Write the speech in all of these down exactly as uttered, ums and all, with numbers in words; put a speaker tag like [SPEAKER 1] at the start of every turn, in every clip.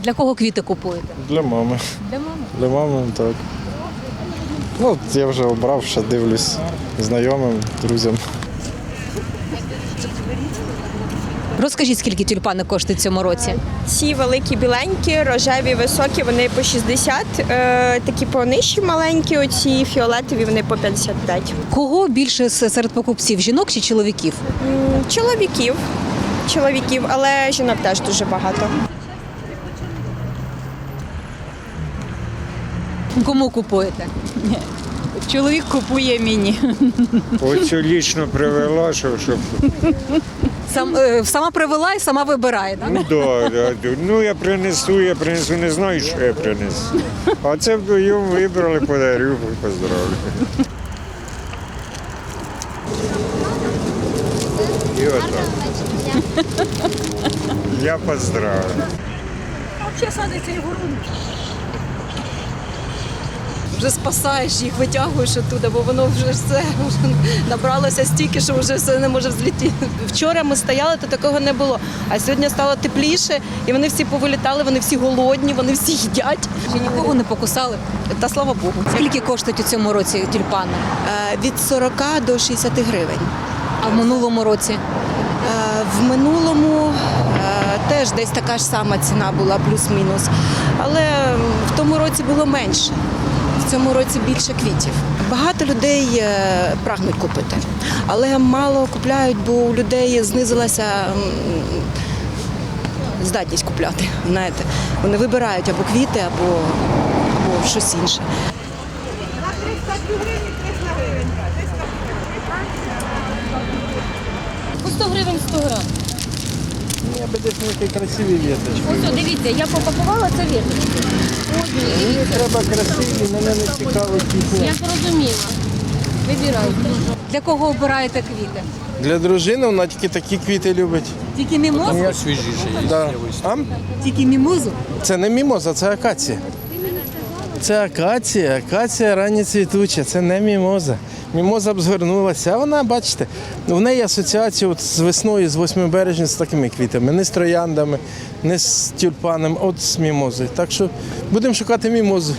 [SPEAKER 1] Для кого квіти купуєте?
[SPEAKER 2] Для мами.
[SPEAKER 1] Для мами.
[SPEAKER 2] Для мами, так. Ну, я вже обрав, ще дивлюсь знайомим, друзям.
[SPEAKER 1] Розкажіть, скільки тюльпани коштують в цьому році?
[SPEAKER 3] Ці великі біленькі, рожеві, високі, вони по шістдесят, е, такі понижчі маленькі, оці фіолетові, вони по п'ятдесят п'ять.
[SPEAKER 1] Кого більше с- серед покупців, жінок чи чоловіків?
[SPEAKER 3] М, Чоловіків, чоловіків, але жінок теж дуже багато.
[SPEAKER 1] Кому купуєте?
[SPEAKER 4] Чоловік купує мені.
[SPEAKER 5] Оцю лічно привела, щоб, щоб...
[SPEAKER 1] Сам, е, сама привела і сама вибирає, так?
[SPEAKER 5] Ну, да, да, да. Ну, я принесу, я принесу, не знаю, що я принесу. А це вдвоєм вибрали, подарю, поздравлю. І отак. Я поздравлю.
[SPEAKER 6] Вже спасаєш їх, витягуєш оттуда, бо воно вже все вже набралося стільки, що вже все не може взлетіти. Вчора ми стояли, то такого не було. А сьогодні стало тепліше, і вони всі повилітали, вони всі голодні, вони всі їдять.
[SPEAKER 1] Чи нікого не покусали?
[SPEAKER 6] Та слава Богу.
[SPEAKER 1] Скільки коштують у цьому році тюльпани?
[SPEAKER 6] Е, Від сорока до шістдесят гривень.
[SPEAKER 1] А в минулому році?
[SPEAKER 6] Е, В минулому е, теж десь така ж сама ціна була, плюс-мінус. Але в тому році було менше. В цьому році більше квітів. Багато людей е, прагнуть купити, але мало купляють, бо у людей знизилася м, здатність купляти. Знаєте, вони вибирають або квіти, або, або щось інше.
[SPEAKER 7] По сто гривень сто грам.
[SPEAKER 2] Я би десь такі красиві віточки.
[SPEAKER 7] Ось, о, дивіться, я попакувала це віточки.
[SPEAKER 2] Мені треба красиві, мене не цікавить
[SPEAKER 7] Я
[SPEAKER 2] їхня.
[SPEAKER 7] зрозуміла. Вибирайте.
[SPEAKER 1] Для кого обираєте квіти?
[SPEAKER 2] Для дружини вона тільки такі квіти любить.
[SPEAKER 1] Тільки мімозу?
[SPEAKER 2] Да. А?
[SPEAKER 1] Тільки мімозу?
[SPEAKER 2] Це не мімоза, це акація. Це акація, акація ранні цвітуча, це не мімоза. Мімоза б згорнулася, а вона, бачите, в неї асоціація от з весною, з восьмого березня з такими квітами, не з трояндами, не з тюльпаном, а от з мімозою. Так що будемо шукати мімозу.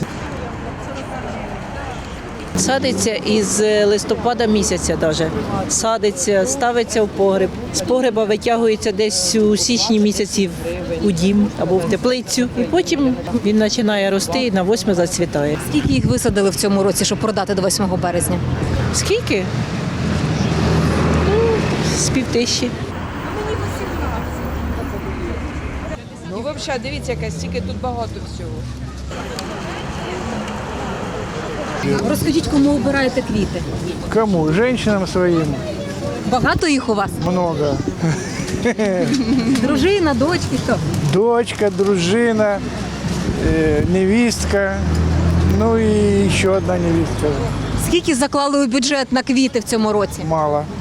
[SPEAKER 8] Садиться із листопада місяця навіть. Садиться, ставиться в погреб. З погреба витягується десь у січні місяці у дім або в теплицю. І потім він починає рости і на восьме зацвітає.
[SPEAKER 1] Скільки їх висадили в цьому році, щоб продати до восьмого березня?
[SPEAKER 8] Скільки? Ну, з півтисячі.
[SPEAKER 9] І взагалі, дивіться, яка стільки тут багато всього.
[SPEAKER 1] Розкажіть, кому обираєте квіти?
[SPEAKER 10] Кому? Женщинам своим
[SPEAKER 1] Багато їх у вас?
[SPEAKER 10] много.
[SPEAKER 1] Дружина, дочки, хто?
[SPEAKER 10] Дочка, дружина, э, невестка, ну и еще одна невестка.
[SPEAKER 1] Скільки заклали у бюджет на квіти в цьому році?
[SPEAKER 10] Мало.